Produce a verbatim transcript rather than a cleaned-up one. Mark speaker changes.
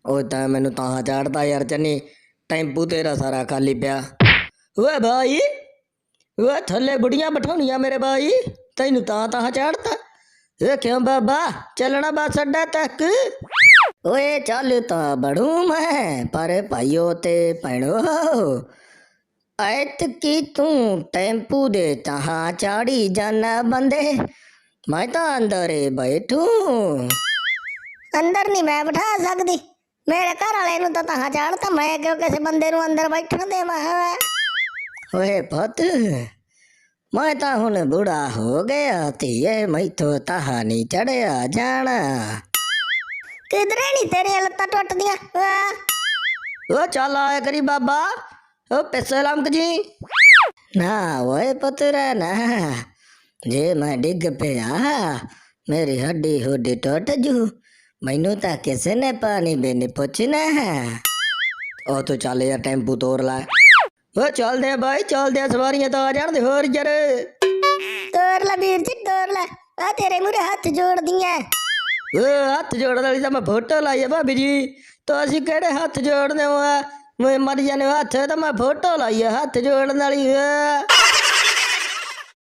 Speaker 1: ਉਹ ਤਾਂ ਮੈਨੂੰ ਤਾਂ ਚਾੜਦਾ ਯਾਰ ਚੰਨੀ ਟੈਂਪੂ ਤੇਰਾ ਸਾਰਾ ਖਾਲੀ ਪਿਆ। ਓਏ ਭਾई ਓਏ ਥੱਲੇ ਬੁੜੀਆਂ ਬਿਠਾਉਣੀਆਂ ਮੇਰੇ ਭਾई ਤੈਨੂੰ ਤਾਂ ਤਾਂ ਚਾੜਦਾ। ਇਹ ਕਿਉਂ ਬਾਬਾ ਚੱਲਣਾ ਬੱਸ ਅੱਡਾ ਤੱਕ। ਓਏ ਚੱਲ ਤਾਂ ਬੜੂ ਮੈਂ ਪਰ ਭਾਈਓ ਤੇ ਭੈਣੋ ਐਤਕੀ ਤੂੰ ਟੈਂਪੂ ਦੇ ਤਾਂ ਚਾੜੀ ਜਾਣਾ ਬੰਦੇ मैं तो अंदर ही बैठू। अंदर नहीं मैं बिठा सकती मेरे घर वाले नु तो तहां चाड़ता मैं क्यों किसी बंदे नु अंदर बैठण देवां। ओए पुत मैं तो हुण बूढ़ा हो गया धीए मैथों तहां नहीं चढ़िया जाना। किधरे नहीं तेरी लत्तां टुटदियां। ओ चल आया करी बाबा ओ पैसे लमक जी ना। ओए पुत्रा ना जे मैं डिग पिया मेरी हड्डी हुड्डी टुट जू मैनू तो किसी ने पानी भी नहीं पूछना है। ओ तू चल यार टेंपू तोड़ ला। ओ चल दे भाई चल दे सवारियां तो आ जान दे होर यार। तोड़ ला वीर जी तोड़ ला आ तेरे मुरे हाथ जोड़ दिया। ओ हाथ जोड़ने वाली तो मैं फोटो लाई है भाभी जी तो असी केड़े हाथ जोड़ने मैं मर जाने हाथ तो मैं फोटो लाई है हाथ जोड़ने वाली।